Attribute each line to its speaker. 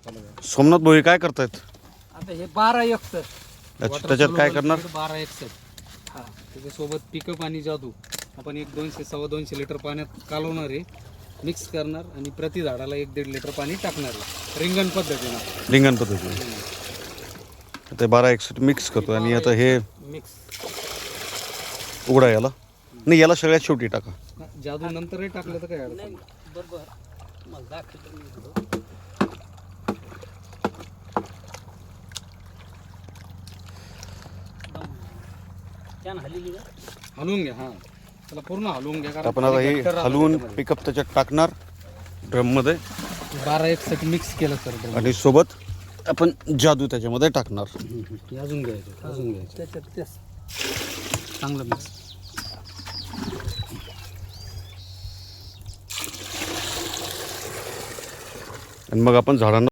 Speaker 1: सोमनाथ भाऊ काय करतायत
Speaker 2: आता हे 12
Speaker 1: अच्छा, त्याच्यात काय करणार
Speaker 2: 12 हा त्याच्यासोबत पिकअप आणि जादू आपण 200-2.25 लिटर पाण्यात कालवणार आहे, मिक्स करणार आणि प्रति झाडाला 1-1.5 लिटर पाणी टाकणार आहे रिंगण पद्धतीने.
Speaker 1: रिंगण पद्धतीने ते 12-61 मिक्स करतो आणि आता हे
Speaker 2: मिक्स
Speaker 1: उघडा याला नाही, याला सगळ्यात शेवटी टाका.
Speaker 2: जादू नंतरही टाकलं तर काय अडचण नाही. बरोबर मला दाखवतो. हलवून घ्या. हा त्याला पूर्ण हलवून घ्या.
Speaker 1: आपण आता हे हलवून पिकअप त्याच्यात टाकणार ड्रम मध्ये.
Speaker 2: 12-61 मिक्स केलं सर
Speaker 1: आणि सोबत आपण जादू त्याच्यामध्ये टाकणार.
Speaker 2: अजून घ्यायचं त्याच्यात चांगलं मिक्स.
Speaker 1: आणि मग आपण झाडांना